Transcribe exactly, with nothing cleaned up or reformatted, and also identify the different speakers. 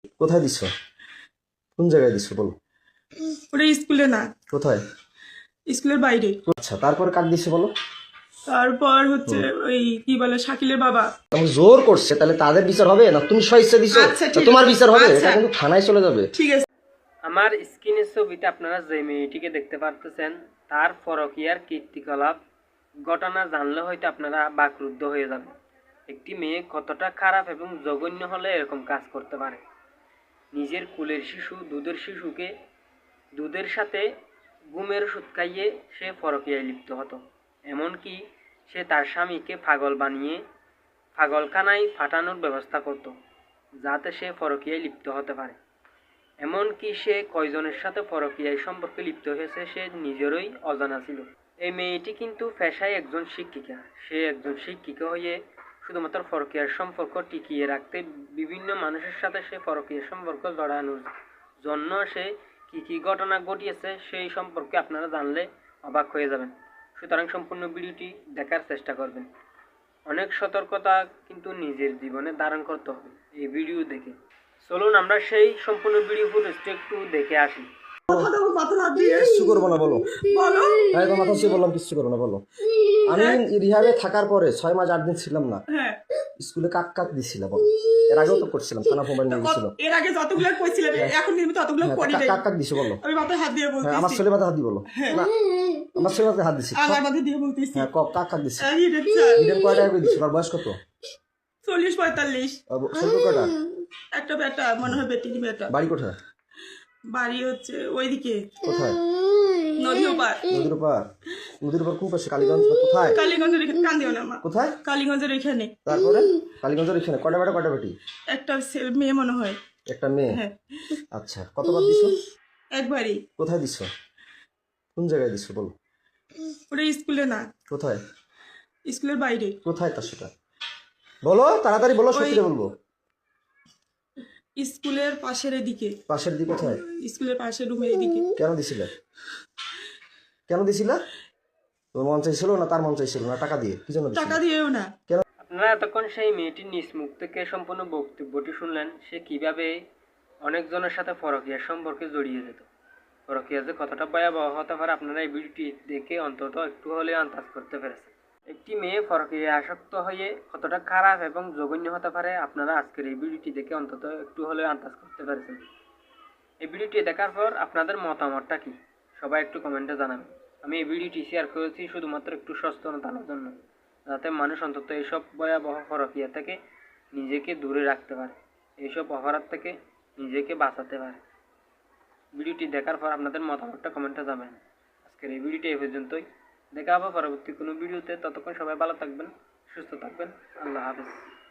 Speaker 1: কোথায় দিছো? কোন জায়গায় দিছো বলো?
Speaker 2: ওটা স্কুলে না,
Speaker 1: কোথায়?
Speaker 2: স্কুলের বাইরে।
Speaker 1: আচ্ছা, তারপরে কাক দিছো বলো?
Speaker 2: তারপর হচ্ছে
Speaker 1: হুম।
Speaker 2: ওই কি বলে শাকিলের বাবা।
Speaker 1: তোমাকে জোর করছে, তাহলে তাদের বিচার হবে না? তুমি স্বেচ্ছা দিছো,
Speaker 2: আচ্ছা
Speaker 1: না
Speaker 2: ঠিক
Speaker 1: তোমার
Speaker 2: আছে,
Speaker 1: বিচার হবে? এটা
Speaker 2: আচ্ছা
Speaker 1: কিন্তু থানায় চলে যাবে।
Speaker 2: ঠিক আছে।
Speaker 3: আমার স্ক্রিনের ছবিতে আপনারা যে মেয়েটিকে দেখতে পারতেছেন তার পরকীয়ার কীর্তিকলাপ ঘটনা জানলে হয়তো আপনারা বাকরুদ্ধ হয়ে যাবেন। একটি মেয়ে কতটা খারাপ এবং জঘন্য হলে এরকম কাজ করতে পারে। নিজের কুলের শিশু দুধের শিশুকে দুধের সাথে ঘুমের ওষুধ খাইয়ে সে পরকীয়ায় লিপ্ত হতো। এমনকি সে তার স্বামীকে পাগল বানিয়ে পাগলখানায় পাঠানোর ব্যবস্থা করত, যাতে সে পরকীয়ায় লিপ্ত হতে পারে। এমনকি সে কয়জনের সাথে পরকীয়ায় সম্পর্কে লিপ্ত হয়েছে সে নিজেরই অজানা ছিল। এই মেয়েটি কিন্তু পেশায় একজন শিক্ষিকা। সে একজন শিক্ষিকা হয়ে শুধুমাত্র পরকীয়ার সম্পর্ক টিকিয়ে রাখতে বিভিন্ন মানুষের সাথে সে পরকীয়ার সম্পর্ক জড়ানোর জন্য সে কি কি ঘটনা ঘটিয়েছে সেই সম্পর্কে আপনারা জানলে অবাক হয়ে যাবেন। সুতরাং সম্পূর্ণ ভিডিওটি দেখার চেষ্টা করবেন। অনেক সতর্কতা কিন্তু নিজের জীবনে ধারণ করতে হবে এই ভিডিও দেখে। চলুন আমরা সেই সম্পূর্ণ ভিডিও ফুটেজটি একটু দেখে আসি।
Speaker 2: কথা দেবো মাথা হাত দিয়ে।
Speaker 1: কিচ্ছু করবো না বলো।
Speaker 2: বলো।
Speaker 1: হ্যাঁ, তোমার কথা বললাম, কিচ্ছু করবো না বলো। আমি রিহাবে থাকার পরে ছয় মাস আট দিন ছিলাম না,
Speaker 2: হ্যাঁ,
Speaker 1: স্কুলে কাক কাক দিছিলাম বলো। এর আগেও তো করছিলাম, থানা মোবাইল নিয়ে গেছিল।
Speaker 2: এর আগে যতগুলো কইছিলেন এখন নিয়মিত ততগুলো
Speaker 1: হ্যাঁ,
Speaker 2: করি
Speaker 1: কা-
Speaker 2: নাই।
Speaker 1: কাক কাক দিছো বলো।
Speaker 2: আমি মাথায় হাত দিয়ে
Speaker 1: হ্যাঁ, আমার
Speaker 2: বলতেছি,
Speaker 1: ছেলে মাথা হাত দি বলো। না, আমার ছেলে মাথায় হাত দিছি।
Speaker 2: আমার মাথায় দিয়ে বলতেছি।
Speaker 1: হ্যাঁ, ক- কাক কাক দিছি।
Speaker 2: এই রে চাই।
Speaker 1: ইডেন কয় টাকা করে দিছো? আর বয়স কত?
Speaker 2: চল্লিশ পঁয়তাল্লিশ।
Speaker 1: আর ব- ছোট কয়টা?
Speaker 2: একটা বেটা, মনে হয় বেটির বেটা।
Speaker 1: বাড়ি কোথায়?
Speaker 2: বাড়ি হচ্ছে ওইদিকে
Speaker 1: কোথায়?
Speaker 2: নদী ওপার।
Speaker 1: নদীর পার? নদীর পার কোন পাশে? কালীগঞ্জ না কোথায়?
Speaker 2: কালীগঞ্জের এখানে, কান্দিও না মা,
Speaker 1: কোথায়?
Speaker 2: কালীগঞ্জের এখানে।
Speaker 1: তারপরে কালীগঞ্জের এখানে কয়টা বেটা কয়টা বেটি?
Speaker 2: একটা ছে- মেয়ে মনে হয়।
Speaker 1: একটা মেয়ে।
Speaker 2: হ্যাঁ,
Speaker 1: আচ্ছা, কতবার দিছো?
Speaker 2: একবারই।
Speaker 1: কোথায় দিছো? কোন জায়গায় দিছো বলো?
Speaker 2: ওটা স্কুলে না,
Speaker 1: কোথায়?
Speaker 2: স্কুলের বাইরে।
Speaker 1: কোথায় তা সেটা বলো, তাড়াতাড়ি বলো,
Speaker 2: ওই
Speaker 1: সত্যি বলবো।
Speaker 2: স্কুলের পাশের এদিকে,
Speaker 1: পাশের দিকে কোথায়?
Speaker 2: স্কুলের পাশের রুমের এদিকে।
Speaker 1: কেন দিছিলে? কেন দিছিলা? তোর মন চাইছিল না তার মন চাইছিল না? টাকা দিয়ে কি জন্য দিছিলে?
Speaker 2: টাকা দিয়েও না।
Speaker 1: কেন?
Speaker 3: আপনারা এতক্ষণ সেই মেয়েটির নিজ মুখ থেকে সম্পূর্ণ বক্তব্যটি শুনলেন, সে কিভাবে অনেকজনের সাথে পরকীয়ার সম্পর্কে জড়িয়ে যেত। পরকীয়া যে কতটা ভয়াবহ হতে পারে আপনারা এই ভিডিওটি দেখে অন্তত একটু হলেও আন্দাজ করতে পেরেছেন। একটি মেয়ে পরকীয়ায় আসক্ত হয়ে কতটা খারাপ এবং জঘন্য হতে পারে আপনারা আজকের এই ভিডিওটি দেখে অন্তত একটু হলেও আন্দাজ করতে পেরেছেন। এই ভিডিওটি দেখার পর আপনাদের মতামতটা কি সবাই একটু কমেন্টে জানাবেন। আমি এই ভিডিওটি শেয়ার করেছি শুধুমাত্র একটু সচেতনতার জন্য, যাতে মানুষ অন্তত এইসব ভয়াবহ পরকীয়া থেকে নিজেকে দূরে রাখতে পারে, এইসব অপরাধ থেকে নিজেকে বাঁচাতে পারে। ভিডিওটি দেখার পর আপনাদের মতামতটা কমেন্টে জানাবেন। আজকের এই ভিডিওটি এই পর্যন্তই। দেখা হবে পরবর্তী কোনো ভিডিওতে। ততক্ষণ সবাই ভালো থাকবেন, সুস্থ থাকবেন। আল্লাহ হাফেজ।